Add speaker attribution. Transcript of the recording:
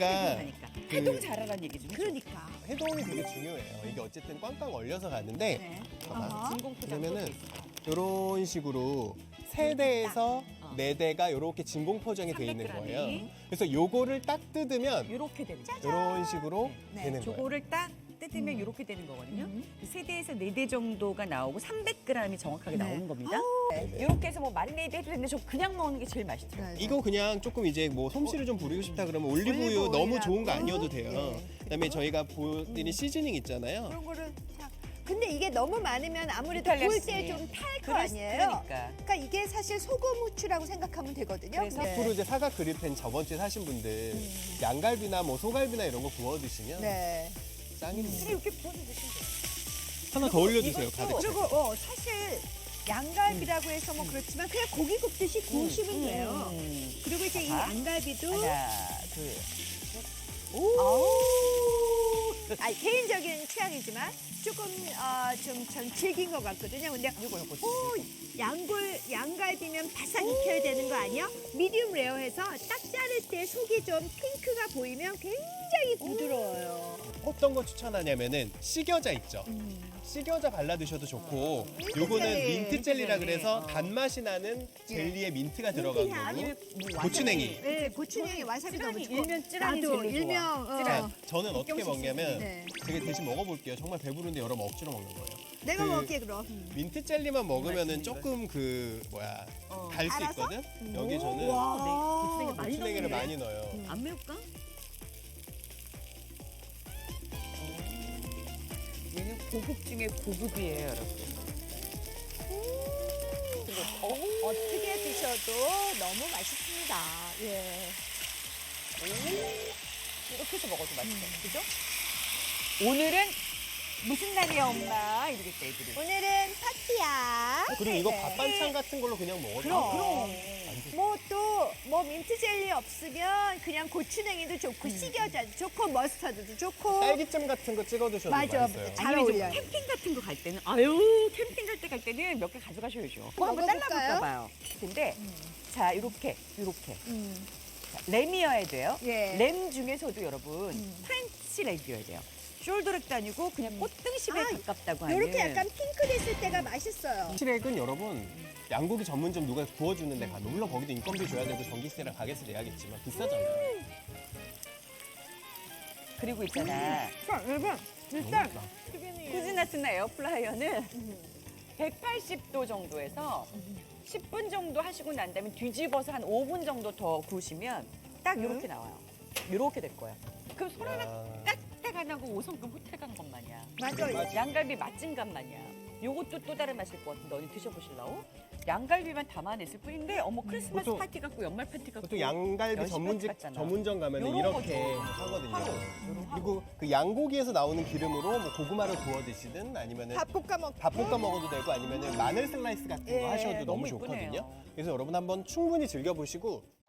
Speaker 1: 해동하니까. 해동 잘하라는 얘기 좀 해줘.
Speaker 2: 그러니까.
Speaker 3: 해동이 되게 중요해요. 이게 어쨌든 꽝꽝 얼려서 가는데
Speaker 1: 네.
Speaker 3: 봐봐.
Speaker 1: 진공 포장
Speaker 3: 그러면은
Speaker 1: 또
Speaker 3: 이런 식으로 세 대에서
Speaker 1: 어.
Speaker 3: 네 대가 이렇게 진공 포장이 돼 있는
Speaker 1: 300g 이.
Speaker 3: 거예요. 그래서 요거를 딱 뜯으면
Speaker 1: 이렇게 되는 거죠.
Speaker 3: 이런 식으로
Speaker 1: 네.
Speaker 3: 되는 거예요.
Speaker 1: 저거를 딱 뜯으면 이렇게 되는 거거든요. 세 대에서 네 대 정도가 나오고 300g이 정확하게
Speaker 2: 네.
Speaker 1: 나오는 겁니다.
Speaker 3: 네네.
Speaker 1: 이렇게 해서 뭐 마리네이드 해도 되는데 저 그냥 먹는 게 제일 맛있더라고요.
Speaker 3: 이거 그냥 조금 이제 뭐 솜씨를 좀 부리고 싶다 그러면 올리브유 너무 좋은 거 아니어도 돼요. 그다음에 저희가 보여드린 시즈닝 있잖아요.
Speaker 2: 그런 거를 자, 근데 이게 너무 많으면 아무래도
Speaker 1: 이탈리아
Speaker 2: 구울
Speaker 1: 시즈닝.
Speaker 2: 때 좀 탈 거
Speaker 1: 그럴-
Speaker 2: 아니에요?
Speaker 1: 그러니까.
Speaker 2: 그러니까 이게 사실 소금 후추라고 생각하면 되거든요.
Speaker 1: 그래서
Speaker 3: 앞으로 이제 사각 그릴팬 저번 주에 사신 분들 양갈비나 뭐 소갈비나 이런 거 구워 드시면
Speaker 2: 네.
Speaker 3: 짱입니다.
Speaker 1: 이렇게 구워서 드시면 돼요.
Speaker 3: 하나 더 올려주세요.
Speaker 1: 이것도-
Speaker 3: 가득.
Speaker 2: 그리고 사실 양갈비라고 해서 뭐 그렇지만 그냥 고기 굽듯이 구우시면 돼요. 그리고 이제 이
Speaker 1: 자.
Speaker 2: 양갈비도
Speaker 1: 하나, 둘.
Speaker 2: 아니, 개인적인 취향이지만 조금 전 즐긴 것 같거든요. 근데 양갈비면 바삭 익혀야 되는 거 아니야? 미디움 레어해서 딱 자를 때 속이 좀 핑크가 보이면 굉장히 부드러워요.
Speaker 3: 어떤 거 추천하냐면은 식여자 있죠. 식여자 발라 드셔도 좋고 요거는
Speaker 2: 젤리.
Speaker 3: 민트 젤리라
Speaker 1: 젤리.
Speaker 3: 그래서 단맛이 나는 젤리에 민트가 들어간
Speaker 2: 향.
Speaker 3: 거고
Speaker 1: 아니면 뭐
Speaker 3: 고추냉이.
Speaker 2: 네, 고추냉이 와사비 너무
Speaker 1: 찌라니,
Speaker 2: 좋고.
Speaker 1: 일면 찌라니
Speaker 2: 나도
Speaker 1: 제일 좋아.
Speaker 2: 일명
Speaker 3: 자, 저는 어떻게
Speaker 1: 백경식
Speaker 3: 먹냐면
Speaker 2: 네.
Speaker 3: 제가 대신 먹어볼게요. 정말 배부른데 여러분 억지로 먹는 거예요.
Speaker 2: 내가
Speaker 3: 그
Speaker 2: 먹을게 그럼.
Speaker 3: 민트 젤리만 먹으면은
Speaker 1: 맛있는
Speaker 3: 조금 달 수
Speaker 2: 달아서?
Speaker 3: 있거든. 여기 저는
Speaker 2: 와.
Speaker 1: 고추냉이 많이
Speaker 3: 고추냉이를
Speaker 1: 넣네.
Speaker 3: 많이 넣어요.
Speaker 1: 안 매울까? 얘는 고급 중에 고급이에요, 여러분.
Speaker 2: 어떻게 드셔도 너무 맛있습니다. 예.
Speaker 1: 이렇게 해서 먹어도 맛있어요. 그죠? 오늘은 무슨 날이야, 엄마? 이러겠다, 애들이.
Speaker 2: 오늘은 파티야.
Speaker 3: 그리고 이거
Speaker 2: 네.
Speaker 3: 밥 반찬 같은 걸로 그냥 먹어도
Speaker 2: 그럼. 뭐 또 민트 젤리 없으면 그냥 고추냉이도 좋고 식여자도 좋고 머스타드도 좋고.
Speaker 3: 딸기잼 같은 거 찍어 드셔도
Speaker 2: 맞아.
Speaker 3: 맛있어요.
Speaker 2: 잘
Speaker 1: 아니면 이제
Speaker 2: 어울려요.
Speaker 1: 캠핑 같은 거 갈 때는 캠핑 갈 때는 몇 개 가져가셔야죠. 한번
Speaker 2: 먹어볼까요?
Speaker 1: 잘라볼까 봐요. 근데 자, 이렇게
Speaker 2: 음.
Speaker 1: 자, 램이어야 돼요.
Speaker 2: 예.
Speaker 1: 램 중에서도 여러분 프렌치 램이어야 돼요. 숄더렉도 아니고 그냥 꽃등심에
Speaker 2: 아,
Speaker 1: 가깝다고 하는.
Speaker 2: 요렇게 약간 핑크 됐을 때가 맛있어요.
Speaker 3: 시렉은 여러분 양고기 전문점 누가 구워주는 데 가면 물론 거기도 인건비 줘야 되고 전기세랑 가게세 내야겠지만 비싸잖아요.
Speaker 1: 그리고 있잖아.
Speaker 2: 자, 여러분
Speaker 3: 너무
Speaker 2: 일단
Speaker 3: 맛있다.
Speaker 1: 쿠즈나스나 에어프라이어는 180도 정도에서 10분 정도 하시고 난 다음에 뒤집어서 한 5분 정도 더 구우시면 딱 이렇게 나와요. 이렇게 될 거예요. 그럼 손 하나
Speaker 3: 야.
Speaker 1: 까딱 안 하고 5성급 호텔 간 것 마냥.
Speaker 2: 맞아요.
Speaker 1: 양갈비 맛진 것 마냥. 요것도 또 다른 맛일 것 같은데 언니 드셔보실라고? 양갈비만 담아냈을 뿐인데 어머 크리스마스
Speaker 3: 보통-
Speaker 1: 파티 같고 연말 파티 같고
Speaker 3: 보통 양갈비
Speaker 1: 연식
Speaker 3: 전문집
Speaker 1: 파티 같잖아.
Speaker 3: 전문점 가면
Speaker 1: 요런
Speaker 3: 이렇게
Speaker 1: 거죠.
Speaker 3: 하거든요. 그리고 그 양고기에서 나오는 기름으로 뭐 고구마를 구워 드시든 아니면은
Speaker 2: 밥 볶아 먹.
Speaker 3: 밥 볶아 먹어도 되고 아니면은 마늘 슬라이스 같은 거
Speaker 2: 예,
Speaker 3: 하셔도 너무
Speaker 1: 너무
Speaker 3: 좋거든요.
Speaker 1: 이쁘네요.
Speaker 3: 그래서 여러분 한번 충분히 즐겨보시고